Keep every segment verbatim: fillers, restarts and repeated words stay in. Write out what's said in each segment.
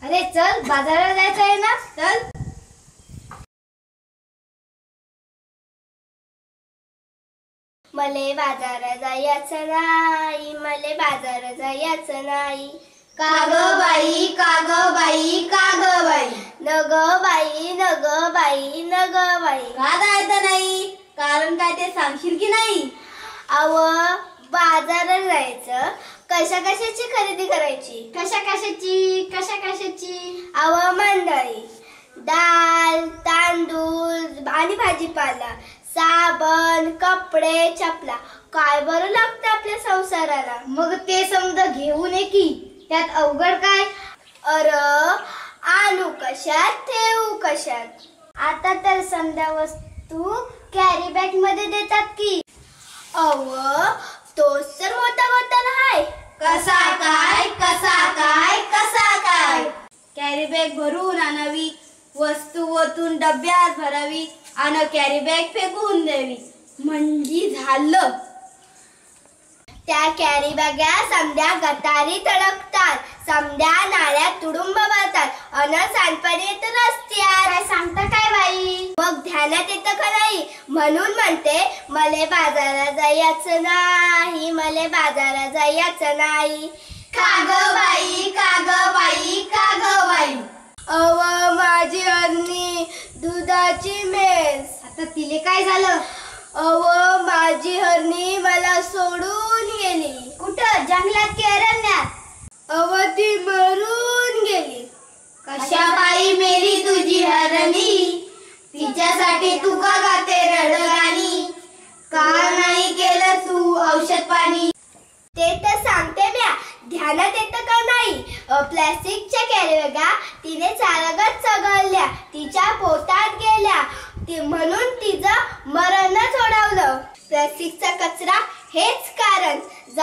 अरे चल बाजारात जायचं आहे ना, चल. मले बाजारात जायचं नाही, मले बाजारात जायचं नाही. का ग बाई, का ग बाई, का ग बाई, न ग बाई, न ग बाई, न ग बाई. का जायचं नाही? कारण काय ते सांगशील की नाही? अव बाजारात जायचं, कशा कशाची खरेदी करायची? कशा कशाची, कशा कशाची? अव मंडळी, डाळ, तांदूळ आणि भाजीपाला, साबण, कपडे, चपला, काय बरं लागतं आपल्या संसाराला. मग ते समजा घेऊन ये की, त्यात अवघड काय? अर आणू कशात, ठेवू कशात. आता तर समजा वस्तू कॅरी बॅग मध्ये देतात की. अव तोच तर मोठा घोटाळा आहे. कसा काय, कसा काय, कसा काय? कॅरी बॅग भरून आणावी, वस्तू ओतून डब्यात भरावी आणि कॅरी बॅग फेकून द्यावी, म्हणजे झालं. त्या कॅरी बॅगा समद्या गटारी तडकतात, समद्या नाल्यात तुडुंब भरतात अन सांडपाणी येतं रस्त्यात. काय सांगता काय बाई? मग ध्यानात येतं का नाही? म्हणून म्हणते मले बाजारात जायचं नाही, मले बाजारात जायचं नाही. का ग बाई, का ग बाई, का ग बाई. अव माझी हरणी दुधाची मेस. आता तिले काय झालं? अव माझी हरणी मला सोडून गेली. कुठं, जंगलात की अरण्यात? अव ती मरून गेली. कशा बाई मेली तुझी हरणी, तिच्यासाठी तू का गाते रडगाणी, का नाही केलं तू औषध पाणी? ते तर सांगते म्या, ध्यानात येतं का नाही? प्लास्टिकच्या कॅरी बॅगा तिने चालगत चघळल्या, तिच्या पोटात गेल्या, ती म्हणून तिचं मरणच ओढवलं. प्लास्टिकचा कचरा हेच कारण,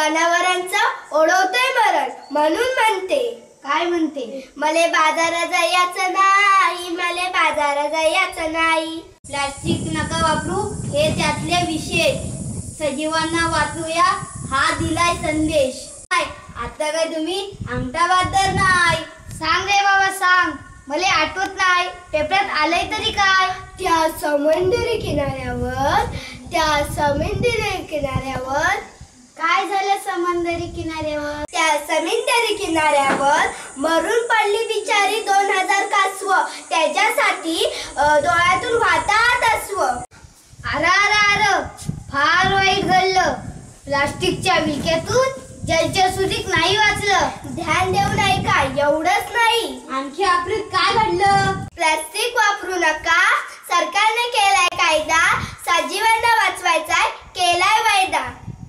जनावरांचं ओढवतोय मरण. म्हणून म्हणते, काय म्हणते? मले बाजारात जायचं नाही, मले बाजारात जायचं नाही. प्लास्टिक नका वापरू हे त्यातले विशेष, सजीवांना वाचूया हा दिलाय संदेश. काय आता काय तुम्ही अंगठा बादर नाही? सांग रे बाबा सांग, मला आठवत नाही, पेपरात आलंय तरी काय? त्या समुद्री किनाऱ्यावर, त्या समुद्री किनाऱ्यावर काय झालं? समंदरी किनाऱ्यावर, त्या समुद्री किनाऱ्यावर मरून पडली बिचारी दोन हजार कासव. त्याच्यासाठी डोळ्यातून वाहतात अश्व. अरा अरा अर फार वाईट घडलं. प्लास्टिकच्या विळख्यातून जलचर नाही वाचलं. ध्यान देऊ नाही का? एवढंच नाही, आणखी आपल्यात काय घडलं? प्लास्टिक वापरू नका, सरकारने केलाय कायदा, सजीवांना वाचवायचा केलाय वायदा.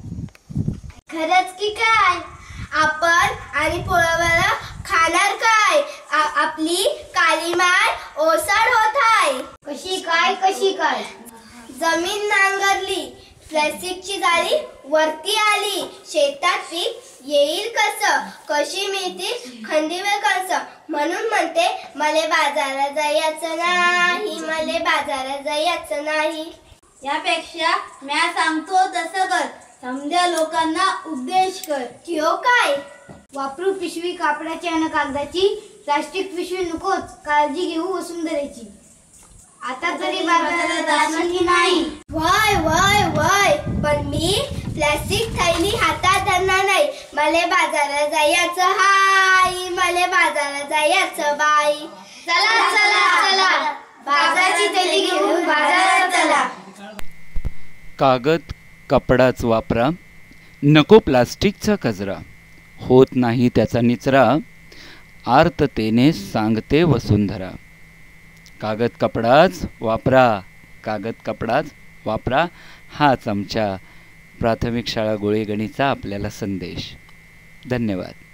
खरंच की काय? आपण आणि पोळावाला खाणार काय? आपली काली माय ओसाड होत आहे. कशी काय, कशी काय? जमीन नांगरली, प्लास्टिकची जाळी वरती आली, शेतात पीक येईल कसं, कशी मिळतील खंडीवर कसं. म्हणून म्हणते मले बाजारात जायचं नाही, मले बाजारात जायचं नाही. यापेक्षा म्या सांगतो तसं कर, समध्या लोकांना उपदेश कर. त्यो काय? वापरू पिशवी कापडाची आणि कागदाची, प्लास्टिक पिशवी नकोच, काळजी घेऊ वसुंधरेची. आता तरी बाजारात जाशील की नाही? वय वय वय, पण मी प्लास्टिक थैली हातात धरणार नाही. मले बाजारात जायचं हाय, मले बाजारात जायचं बाई. चला चला चला, बाजाराची थैली घेऊन बाजारात चला. कागद कपडाच वापरा, नको प्लास्टिकचा कचरा, होत नाही त्याचा निचरा, आर्ततेने सांगते वसुंधरा. कागद कपडाच वापरा, कागद कपडाच वापरा, हाच आमच्या प्राथमिक शाळा गोळेगणीचा आपल्याला संदेश. धन्यवाद.